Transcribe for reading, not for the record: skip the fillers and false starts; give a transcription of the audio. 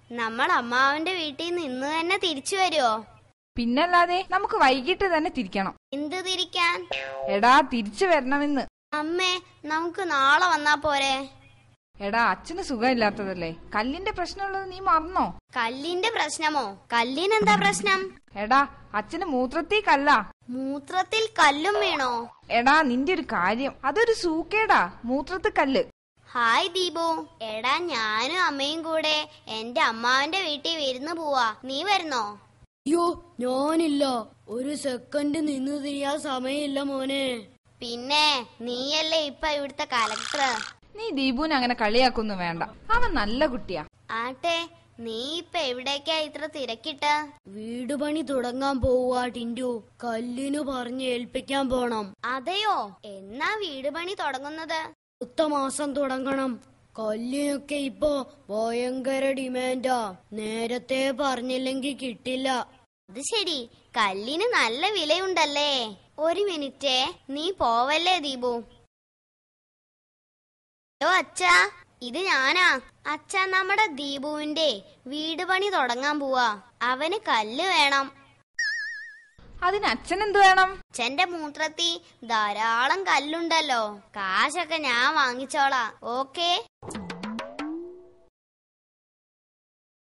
നമ്മൾ അമ്മാവന്റെ വീട്ടിൽ നിന്ന് ഇന്ന് തന്നെ തിരിച്ചു വരുമോ? പിന്നല്ലാതെ, നമുക്ക് വൈകിട്ട് തന്നെ തിരിക്കണം. എന്ത് തിരിക്കാൻ? എടാ, തിരിച്ചു വരണമെന്ന്. അമ്മേ, നമുക്ക് നാളെ വന്നാ പോരെ? എടാ, അച്ഛന് സുഖമില്ലാത്തതല്ലേ, കല്ലിന്റെ പ്രശ്നമുള്ളത് നീ മറന്നോ? കല്ലിന്റെ പ്രശ്നമോ? കല്ലിനെന്താ പ്രശ്നം? എടാ, അച്ഛന് മൂത്രത്തിൽ കല്ലാ. മൂത്രത്തിൽ കല്ലും വീണോ? എടാ, നിന്റെ ഒരു കാര്യം, അതൊരു സൂക്കേടാ, മൂത്രത്തിൽ കല്ല്. ഹായ് ദീപു. എടാ, ഞാനും അമ്മയും കൂടെ എന്റെ അമ്മാവന്റെ വീട്ടിൽ വിരുന്ന് പോവാ. നീ വരുന്നോ? അയ്യോ, ഞാനില്ല. ഒരു സെക്കൻഡ് നിന്ന് തിരിയാൻ സമയമില്ല മോനെ. പിന്നെ നീയല്ലേ ഇപ്പൊ ഇവിടുത്തെ കലക്ടർ. നീ ദീപുവിനെ അങ്ങനെ കളിയാക്കൊന്നും വേണ്ട, അവൻ നല്ല കുട്ടിയാ. ആട്ടെ, നീ ഇപ്പൊ എവിടേക്കാ ഇത്ര തിരക്കിട്ട്? വീട് പണി തുടങ്ങാൻ പോവാ ടിൻഡു. കല്ലിനു പറഞ്ഞ് ഏൽപ്പിക്കാൻ പോണം. അതെയോ? എന്നാ വീട് പണി തുടങ്ങുന്നത്? അടുത്ത മാസം തുടങ്ങണം. കല്ലിനൊക്കെ ഇപ്പൊ ഭയങ്കര ഡിമാൻഡാ. നേരത്തെ പറഞ്ഞില്ലെങ്കിൽ കിട്ടില്ല. അത് ശരി, കല്ലിന് നല്ല വിലയുണ്ടല്ലേ. ഒരു മിനിറ്റേ, നീ പോവല്ലേ ദീപു. ഹലോ അച്ഛാ, ഇത് ഞാനാ. അച്ഛാ, നമ്മുടെ ദീപുവിന്റെ വീട് പണി തുടങ്ങാൻ പോവാ. അവന് കല്ല് വേണം. അതിന് അച്ഛനെന്ത് വേണം? അച്ഛന്റെ മൂത്രത്തിൽ ധാരാളം കല്ലുണ്ടല്ലോ. കാശൊക്കെ ഞാൻ വാങ്ങിച്ചോളാം. ഓക്കേ?